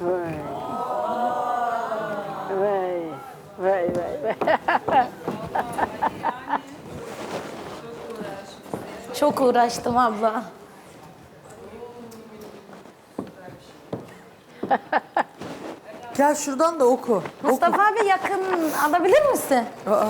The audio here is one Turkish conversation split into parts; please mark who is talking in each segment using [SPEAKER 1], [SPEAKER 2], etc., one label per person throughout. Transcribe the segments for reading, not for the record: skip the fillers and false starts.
[SPEAKER 1] Vay. Vay. Vay vay vay.
[SPEAKER 2] Çok uğraştım abla.
[SPEAKER 3] Gel şuradan da oku.
[SPEAKER 2] Mustafa abi yakın alabilir misin?
[SPEAKER 3] Aa.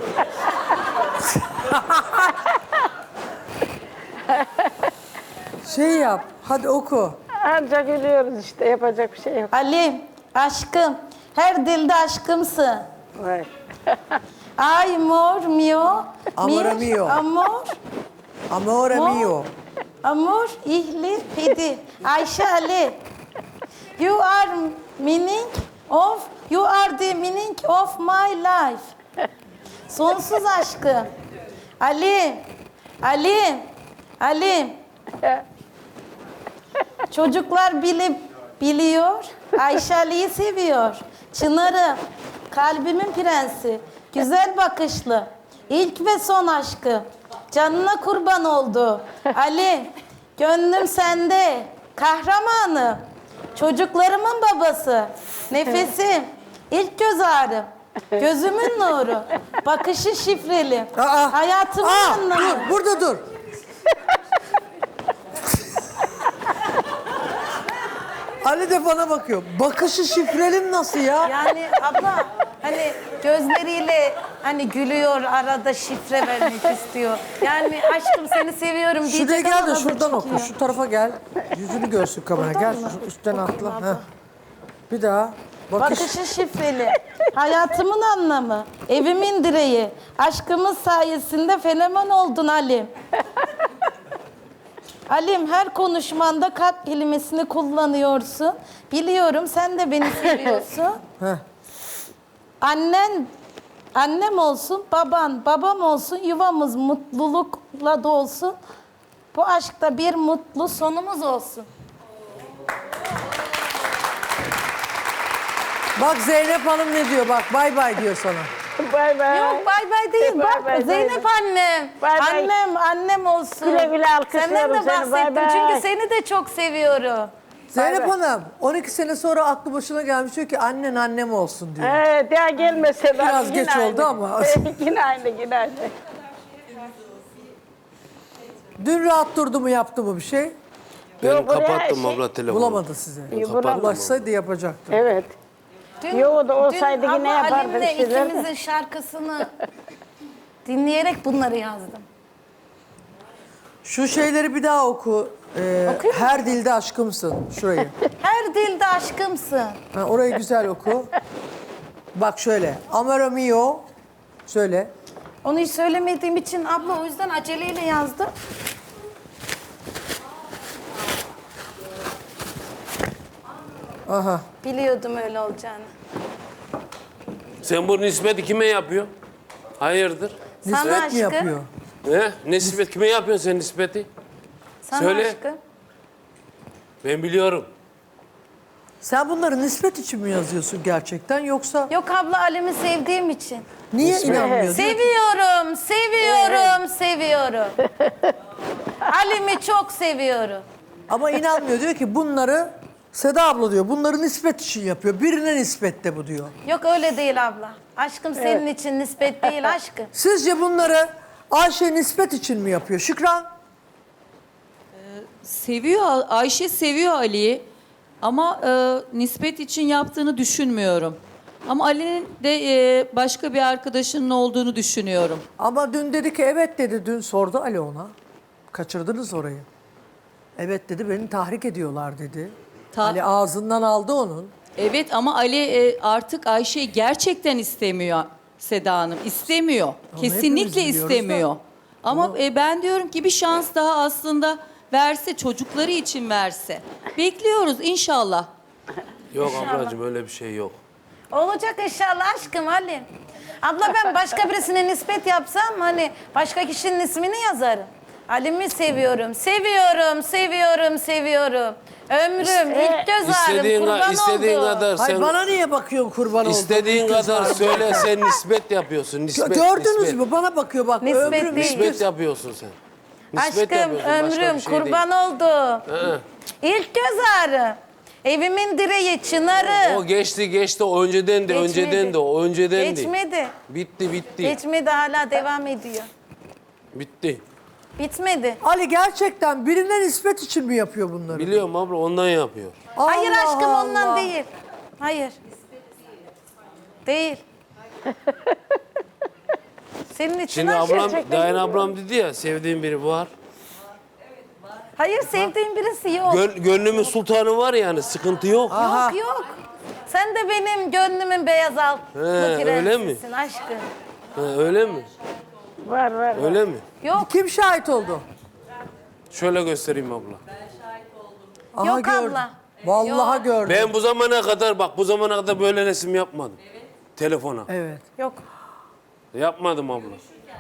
[SPEAKER 3] Şey yap, hadi oku.
[SPEAKER 1] Ancak gülüyoruz işte, yapacak bir şey yok.
[SPEAKER 2] Ali, aşkım. Her dilde aşkımsın.
[SPEAKER 1] Vay.
[SPEAKER 2] Amor mio.
[SPEAKER 3] Amore mio.
[SPEAKER 2] Amor.
[SPEAKER 3] Amore
[SPEAKER 2] Mo-
[SPEAKER 3] mio.
[SPEAKER 2] Amor ihli pedi. Ayşe Ali. You are you are the meaning of my life. Sonsuz aşkım. Ali. Ali. Çocuklar biliyor. Ayşe Ali'yi seviyor. Çınarım. Kalbimin prensi. Güzel bakışlı. İlk ve son aşkım. Canına kurban oldu. Ali. Gönlüm sende. Kahramanım. Çocuklarımın babası. Nefesim. İlk göz ağrım. Gözümün nuru. Bakışı şifreli. Hayatımın anlamı.
[SPEAKER 3] Dur, burada dur. Ali de bana bakıyor. Bakışı şifrelim nasıl ya?
[SPEAKER 2] Yani abla hani gözleriyle hani gülüyor, arada şifre vermek istiyor. Yani aşkım seni seviyorum diyecek
[SPEAKER 3] Şuraya gel
[SPEAKER 2] ama
[SPEAKER 3] de
[SPEAKER 2] adı
[SPEAKER 3] şuradan oku.
[SPEAKER 2] çıkıyor.
[SPEAKER 3] Şu tarafa gel. Yüzünü görsün kamera. Gel şu üstten atla. Heh. Bir daha.
[SPEAKER 2] Bakışı şifreli. Hayatımın anlamı. Evimin direği. Aşkımız sayesinde fenomen oldun Halim. Halim, her konuşmanda kalp kelimesini kullanıyorsun. Biliyorum sen de beni seviyorsun.
[SPEAKER 3] Heh.
[SPEAKER 2] Annem olsun, babam olsun, yuvamız mutlulukla dolsun. Bu aşkta bir mutlu sonumuz olsun.
[SPEAKER 3] Bak Zeynep Hanım ne diyor? Bak bay bay diyor sana.
[SPEAKER 1] Bay bay.
[SPEAKER 2] Yok bay bay değil.
[SPEAKER 1] Bay
[SPEAKER 2] Bak
[SPEAKER 1] bay,
[SPEAKER 2] Zeynep annem.
[SPEAKER 1] Bay bay.
[SPEAKER 2] Annem olsun.
[SPEAKER 1] Güle güle alkışlıyorum
[SPEAKER 2] Senden de
[SPEAKER 1] seni, bay
[SPEAKER 2] bahsettim
[SPEAKER 1] bay.
[SPEAKER 2] çünkü seni de çok seviyorum.
[SPEAKER 3] Zeynep
[SPEAKER 1] bay.
[SPEAKER 3] Hanım 12 sene sonra aklı başına gelmiş diyor ki annen annem olsun diyor.
[SPEAKER 1] Evet, daha gelmese ben
[SPEAKER 3] Biraz
[SPEAKER 1] yine
[SPEAKER 3] geç
[SPEAKER 1] aynı.
[SPEAKER 3] oldu ama.
[SPEAKER 1] Yine aynı.
[SPEAKER 3] Dün rahat durdu mu yaptı mı bir şey?
[SPEAKER 4] Ben
[SPEAKER 1] Yok, buraya
[SPEAKER 4] kapattım
[SPEAKER 1] şey-
[SPEAKER 4] abla telefonu.
[SPEAKER 3] Bulamadı size.
[SPEAKER 1] bulamadı.
[SPEAKER 3] Ulaşsaydı yapacaktı.
[SPEAKER 1] Evet.
[SPEAKER 2] Dün,
[SPEAKER 1] Yo, da olsaydı
[SPEAKER 2] dün
[SPEAKER 1] yine
[SPEAKER 2] ama
[SPEAKER 1] yapardı
[SPEAKER 2] Halim'le
[SPEAKER 1] bir şeyler de.
[SPEAKER 2] ikimizin şarkısını dinleyerek bunları yazdım.
[SPEAKER 3] Şu şeyleri bir daha oku.
[SPEAKER 2] Okuyayım mı?
[SPEAKER 3] Her dilde aşkımsın. Şurayı.
[SPEAKER 2] Her dilde aşkımsın.
[SPEAKER 3] Ha, orayı güzel oku. Bak şöyle. Amore mio. Söyle.
[SPEAKER 2] Onu hiç söylemediğim için abla o yüzden aceleyle yazdım.
[SPEAKER 3] Aha.
[SPEAKER 2] Biliyordum öyle olacağını.
[SPEAKER 4] Sen bu nispeti kime yapıyorsun? Hayırdır?
[SPEAKER 2] Sana
[SPEAKER 3] Nispet mi
[SPEAKER 2] aşkım.
[SPEAKER 3] yapıyor?
[SPEAKER 4] He? Nispet kime yapıyorsun sen nispeti?
[SPEAKER 2] Sana
[SPEAKER 4] Söyle.
[SPEAKER 2] aşkım.
[SPEAKER 4] Ben biliyorum.
[SPEAKER 3] Sen bunları nispet için mi yazıyorsun gerçekten yoksa
[SPEAKER 2] Yok abla Alem'i sevdiğim için.
[SPEAKER 3] niye inanmıyor?
[SPEAKER 2] Seviyorum. Alem'i çok seviyorum.
[SPEAKER 3] Ama inanmıyor diyor ki bunları Seda abla diyor bunları nispet için yapıyor. Birine nispette bu diyor.
[SPEAKER 2] Yok öyle değil abla. Aşkım senin için nispet değil aşkım.
[SPEAKER 3] Sizce bunları Ayşe nispet için mi yapıyor? Şükran?
[SPEAKER 5] Seviyor, Ayşe seviyor Ali'yi ama nispet için yaptığını düşünmüyorum. Ama Ali'nin de başka bir arkadaşının olduğunu düşünüyorum.
[SPEAKER 3] Ama dün dedi ki evet dedi. Dün sordu Ali ona. Kaçırdınız orayı. Evet dedi beni tahrik ediyorlar dedi. Ali ağzından aldı onun.
[SPEAKER 5] Evet ama Ali artık Ayşe'yi gerçekten istemiyor Seda Hanım. İstemiyor.
[SPEAKER 3] Ama
[SPEAKER 5] Kesinlikle
[SPEAKER 3] hepimiz biliyoruz
[SPEAKER 5] istemiyor.
[SPEAKER 3] da.
[SPEAKER 5] Ama ben diyorum ki bir şans daha aslında verse, çocukları için verse. Bekliyoruz inşallah.
[SPEAKER 4] Yok ablacığım öyle bir şey yok.
[SPEAKER 2] Olacak inşallah aşkım Halim. Abla ben başka birisine nispet yapsam hani başka kişinin ismini yazarım. Halim'i seviyorum. Ömrüm, ilk göz ağrım, kurban
[SPEAKER 4] İstediğin
[SPEAKER 2] oldu.
[SPEAKER 4] kadar
[SPEAKER 3] Hayır
[SPEAKER 4] sen
[SPEAKER 3] bana niye bakıyorsun kurban olduğum?
[SPEAKER 4] istediğin kadar söyle sen nispet yapıyorsun. Nispet,
[SPEAKER 3] Gördünüz
[SPEAKER 4] nispet.
[SPEAKER 3] mü? Bana bakıyor bak.
[SPEAKER 2] Nispet
[SPEAKER 3] ömrüm
[SPEAKER 2] değil.
[SPEAKER 4] Nispet yapıyorsun sen. Nispet
[SPEAKER 2] Aşkım,
[SPEAKER 4] yapıyorsun, başka
[SPEAKER 2] ömrüm,
[SPEAKER 4] bir şey
[SPEAKER 2] kurban
[SPEAKER 4] değil.
[SPEAKER 2] oldu. İlk göz ağrı. Evimin direği, çınarı.
[SPEAKER 4] O geçti. O önceden de, o önceden de.
[SPEAKER 2] Geçmedi.
[SPEAKER 4] Bitti.
[SPEAKER 2] Geçmedi, hala devam ediyor.
[SPEAKER 4] Bitti.
[SPEAKER 2] Bitmedi.
[SPEAKER 3] Ali gerçekten birine nispet için mi yapıyor bunları?
[SPEAKER 4] Biliyorum abla, ondan yapıyor.
[SPEAKER 2] Hayır
[SPEAKER 3] Allah
[SPEAKER 2] aşkım, ondan
[SPEAKER 3] Allah.
[SPEAKER 2] değil. Hayır. Değil. Senin için
[SPEAKER 4] Şimdi
[SPEAKER 2] aşkım.
[SPEAKER 4] ablam, Dayan ablam dedi ya, sevdiğim biri var.
[SPEAKER 2] Hayır, sevdiğin birisi yok.
[SPEAKER 4] Gönlümün sultanı var yani, sıkıntı yok.
[SPEAKER 2] Yok. Sen de benim gönlümün beyaz altlı
[SPEAKER 4] öyle mi?
[SPEAKER 2] prensisin aşkım.
[SPEAKER 4] Ha, öyle mi?
[SPEAKER 1] Var.
[SPEAKER 4] Öyle mi?
[SPEAKER 2] Yok.
[SPEAKER 3] Kim şahit oldu?
[SPEAKER 4] Şöyle göstereyim abla.
[SPEAKER 3] Aha,
[SPEAKER 2] Yok
[SPEAKER 3] gördüm.
[SPEAKER 2] abla.
[SPEAKER 3] Vallahi
[SPEAKER 2] Yok.
[SPEAKER 3] gördüm.
[SPEAKER 4] Ben bu zamana kadar böyle resim yapmadım. Telefona.
[SPEAKER 3] Evet,
[SPEAKER 2] Yok.
[SPEAKER 4] Yapmadım abla.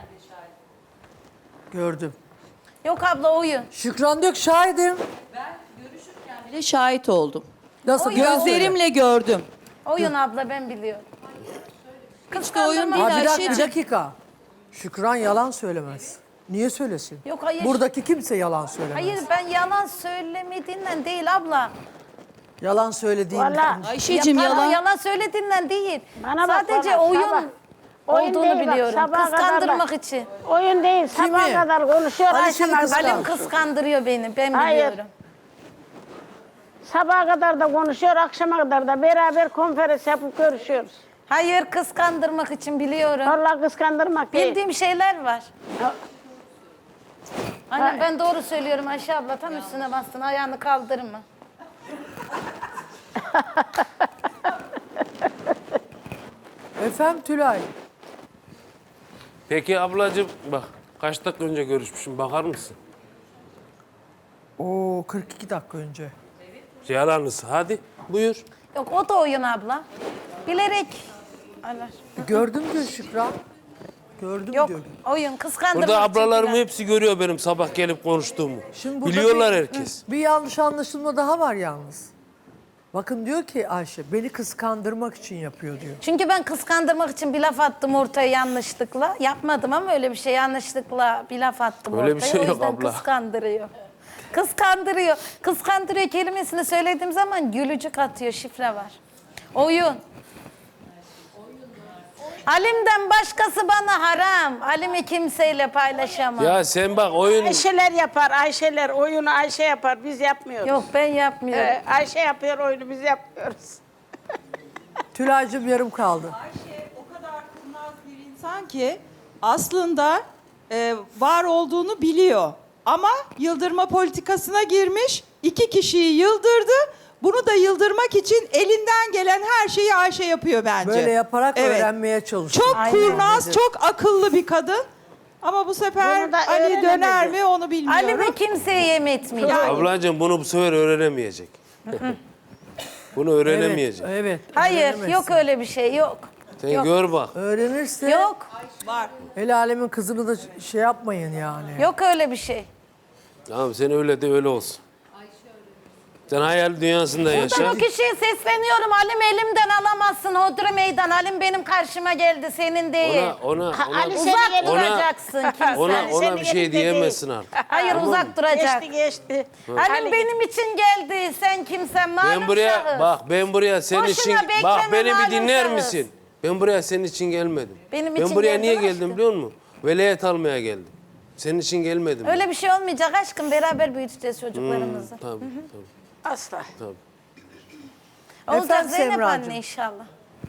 [SPEAKER 3] gördüm.
[SPEAKER 2] Yok abla, oyun.
[SPEAKER 3] Şükran Dök şahidim.
[SPEAKER 5] Bile şahit oldum.
[SPEAKER 3] Nasıl?
[SPEAKER 5] Gözlerimle gördüm.
[SPEAKER 2] Oyun abla, ben biliyorum.
[SPEAKER 5] Hiç de oyun değil
[SPEAKER 3] Ha, bir
[SPEAKER 5] Ayşe'cim.
[SPEAKER 3] dakika. Şükran yalan söylemez. Niye söylesin?
[SPEAKER 2] Yok, hayır.
[SPEAKER 3] Buradaki kimse yalan söylemez.
[SPEAKER 2] Hayır, ben yalan söylemediğinden değil abla.
[SPEAKER 3] Yalan söylediğinden.
[SPEAKER 1] Vallahi.
[SPEAKER 5] Ayşe'cim
[SPEAKER 2] Pardon,
[SPEAKER 5] yalan.
[SPEAKER 2] yalan söylediğinden değil.
[SPEAKER 1] Bana bak,
[SPEAKER 2] Sadece
[SPEAKER 1] bana,
[SPEAKER 2] oyun
[SPEAKER 1] sabah. Oyun
[SPEAKER 2] olduğunu
[SPEAKER 1] değil bak,
[SPEAKER 2] biliyorum.
[SPEAKER 1] sabaha kadar
[SPEAKER 2] Kıskandırmak
[SPEAKER 1] bak.
[SPEAKER 2] için.
[SPEAKER 1] Oyun değil. Sabaha
[SPEAKER 3] mi?
[SPEAKER 1] kadar konuşuyor.
[SPEAKER 3] Ali
[SPEAKER 1] Ayşem
[SPEAKER 3] seni
[SPEAKER 1] arkadaş.
[SPEAKER 3] kıskandı.
[SPEAKER 2] Halim kıskandırıyor beni, ben
[SPEAKER 1] Hayır.
[SPEAKER 2] biliyorum.
[SPEAKER 1] Sabaha kadar da konuşuyor. Akşama kadar da beraber konferans yapıp görüşüyoruz.
[SPEAKER 2] Hayır, kıskandırmak için biliyorum.
[SPEAKER 1] Vallahi kıskandırmak değil.
[SPEAKER 2] Bildiğim şeyler var. Aynen, ben doğru söylüyorum Ayşe abla. Tam üstüne bastın, ayağını kaldırma.
[SPEAKER 3] Efendim Tülay.
[SPEAKER 4] Peki ablacığım bak, kaç dakika önce görüşmüşüm, bakar mısın?
[SPEAKER 3] Oo 42 dakika önce.
[SPEAKER 4] Yalanlısı, hadi buyur.
[SPEAKER 2] Yok, o da oyun abla. Bilerek. Allah.
[SPEAKER 3] Gördüm diyor Şükran. Gördüm
[SPEAKER 2] Yok,
[SPEAKER 3] diyor.
[SPEAKER 2] oyun kıskandırmak
[SPEAKER 4] Burada
[SPEAKER 2] için
[SPEAKER 4] ablalarım
[SPEAKER 2] filan.
[SPEAKER 4] hepsi görüyor benim sabah gelip konuştuğumu.
[SPEAKER 3] Şimdi burada
[SPEAKER 4] Biliyorlar
[SPEAKER 3] bir-
[SPEAKER 4] herkes.
[SPEAKER 3] Bir yanlış anlaşılma daha var yalnız. Bakın diyor ki Ayşe beni kıskandırmak için yapıyor diyor.
[SPEAKER 2] Çünkü ben kıskandırmak için bir laf attım ortaya yanlışlıkla. Yapmadım ama öyle bir şey, yanlışlıkla bir laf attım
[SPEAKER 4] Öyle
[SPEAKER 2] ortaya.
[SPEAKER 4] bir şey
[SPEAKER 2] O
[SPEAKER 4] yok
[SPEAKER 2] yüzden
[SPEAKER 4] abla.
[SPEAKER 2] kıskandırıyor. Kıskandırıyor. Kıskandırıyor kelimesini söylediğim zaman gülücük atıyor, şifre var. Oyun. Alim'den başkası bana haram. Alim'i kimseyle paylaşamam.
[SPEAKER 4] Ya sen bak oyun...
[SPEAKER 1] Ayşeler yapar. Ayşeler oyunu Ayşe yapar. Biz yapmıyoruz.
[SPEAKER 2] Yok, ben yapmıyorum.
[SPEAKER 1] Ayşe yapıyor oyunu, biz yapmıyoruz.
[SPEAKER 3] Tülay'cığım yarım kaldı.
[SPEAKER 6] O kadar kurnaz bir insan ki aslında var olduğunu biliyor. Ama yıldırma politikasına girmiş, 2 kişiyi yıldırdı. Bunu da yıldırmak için elinden gelen her şeyi Ayşe yapıyor bence.
[SPEAKER 3] Böyle yaparak
[SPEAKER 6] Evet.
[SPEAKER 3] öğrenmeye çalışıyor.
[SPEAKER 6] Çok
[SPEAKER 2] Aynen.
[SPEAKER 6] kurnaz, çok akıllı bir kadın. Ama bu sefer
[SPEAKER 1] Bunu da
[SPEAKER 6] Ali döner
[SPEAKER 1] öğrenemedi.
[SPEAKER 6] mi onu bilmiyorum.
[SPEAKER 2] Alim'i kimseye yem etmiyor.
[SPEAKER 4] Ablacığım bunu bu sefer öğrenemeyecek. Bunu öğrenemeyecek.
[SPEAKER 3] Evet.
[SPEAKER 2] Hayır,
[SPEAKER 3] öğrenemezsin.
[SPEAKER 2] yok öyle bir şey, yok.
[SPEAKER 4] Sen
[SPEAKER 2] Yok.
[SPEAKER 4] gör bak.
[SPEAKER 3] Öğrenirse
[SPEAKER 2] Yok,
[SPEAKER 6] Var.
[SPEAKER 3] el alemin kızını da şey yapmayın yani.
[SPEAKER 2] yok öyle bir şey.
[SPEAKER 4] Tamam, sen öyle de öyle olsun. Sen hayal dünyasında
[SPEAKER 2] Ben
[SPEAKER 4] yaşa.
[SPEAKER 2] o kişiye sesleniyorum. Alim elimden alamazsın. Hodri meydan. Alim benim karşıma geldi. Senin değil.
[SPEAKER 4] Ona
[SPEAKER 1] Ali
[SPEAKER 2] Uzak
[SPEAKER 1] seni yerine-
[SPEAKER 2] duracaksın kimse.
[SPEAKER 4] ona bir şey
[SPEAKER 1] yerinde
[SPEAKER 4] diyemezsin artık.
[SPEAKER 2] Hayır, uzak duracak.
[SPEAKER 1] Geçti.
[SPEAKER 2] Alim benim için geldi. Sen kimsen malum
[SPEAKER 4] Ben buraya
[SPEAKER 2] şahıs.
[SPEAKER 4] ben buraya senin
[SPEAKER 2] Boşuna
[SPEAKER 4] için
[SPEAKER 2] bekleme
[SPEAKER 4] bak beni bir
[SPEAKER 2] malum
[SPEAKER 4] dinler
[SPEAKER 2] şahıs.
[SPEAKER 4] misin? Ben buraya senin için gelmedim.
[SPEAKER 2] Benim
[SPEAKER 4] Ben
[SPEAKER 2] için
[SPEAKER 4] buraya
[SPEAKER 2] geldin
[SPEAKER 4] niye
[SPEAKER 2] aşkım.
[SPEAKER 4] geldim biliyor musun? Velayet almaya geldim. Senin için gelmedim. ben.
[SPEAKER 2] Öyle bir şey olmayacak aşkım. Beraber büyüteceğiz çocuklarımızı.
[SPEAKER 4] Tabii.
[SPEAKER 1] Asla.
[SPEAKER 2] Olacak
[SPEAKER 3] Efendim
[SPEAKER 2] Zeynep
[SPEAKER 3] Semracığım?
[SPEAKER 2] anne inşallah.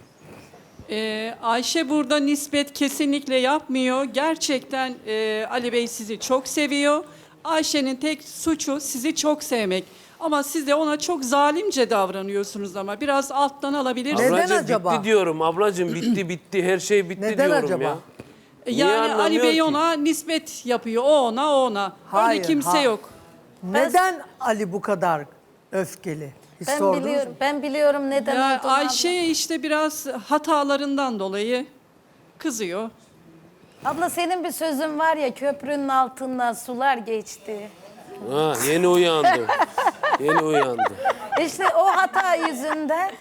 [SPEAKER 7] Ayşe burada nispet kesinlikle yapmıyor. Gerçekten Ali Bey sizi çok seviyor. Ayşe'nin tek suçu sizi çok sevmek. Ama siz de ona çok zalimce davranıyorsunuz ama biraz alttan alabilirsiniz.
[SPEAKER 3] Neden
[SPEAKER 4] Ablacığım
[SPEAKER 3] acaba?
[SPEAKER 4] bitti diyorum. Ablacığım bitti. Her şey bitti
[SPEAKER 3] Neden
[SPEAKER 4] diyorum
[SPEAKER 3] acaba?
[SPEAKER 4] ya. Niye
[SPEAKER 7] Yani Ali
[SPEAKER 4] anlamıyor
[SPEAKER 7] Bey
[SPEAKER 4] ki?
[SPEAKER 7] ona nispet yapıyor. O ona, o ona.
[SPEAKER 3] Hayır,
[SPEAKER 7] Öyle kimse
[SPEAKER 3] hayır.
[SPEAKER 7] yok.
[SPEAKER 3] Neden Ali bu kadar öfkeli? Hiç
[SPEAKER 2] Ben
[SPEAKER 3] sordunuz
[SPEAKER 2] biliyorum.
[SPEAKER 3] mu?
[SPEAKER 2] Ben biliyorum neden
[SPEAKER 7] Ya
[SPEAKER 2] olduğunu.
[SPEAKER 7] Ayşe işte biraz hatalarından dolayı kızıyor.
[SPEAKER 2] Abla senin bir sözün var ya, köprünün altından sular geçti.
[SPEAKER 4] Ha, yeni uyandı. Yeni uyandı.
[SPEAKER 2] İşte o hata yüzünden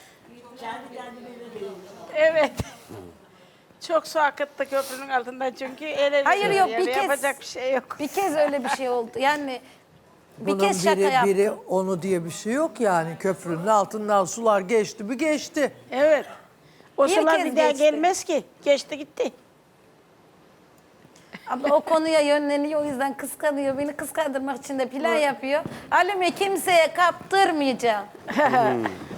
[SPEAKER 1] Evet. Çok su akıttı köprünün altından çünkü ele
[SPEAKER 2] Hayır,
[SPEAKER 1] veriyor
[SPEAKER 2] yok,
[SPEAKER 1] yani.
[SPEAKER 2] bir kez-
[SPEAKER 1] Yapacak bir şey yok.
[SPEAKER 2] bir kez öyle bir şey oldu. Yani Bir
[SPEAKER 3] Bunun
[SPEAKER 2] kez şaka yaptım.
[SPEAKER 3] biri onu diye bir şey yok yani. Köprünün altından sular geçti mi geçti.
[SPEAKER 1] Evet. O
[SPEAKER 2] Bir
[SPEAKER 1] sular
[SPEAKER 2] kez
[SPEAKER 1] bir daha
[SPEAKER 2] geçti.
[SPEAKER 1] gelmez ki. Geçti gitti.
[SPEAKER 2] Abla o konuya yönleniyor, o yüzden kıskanıyor. Beni kıskandırmak için de plan yapıyor. Halime kimseye kaptırmayacağım.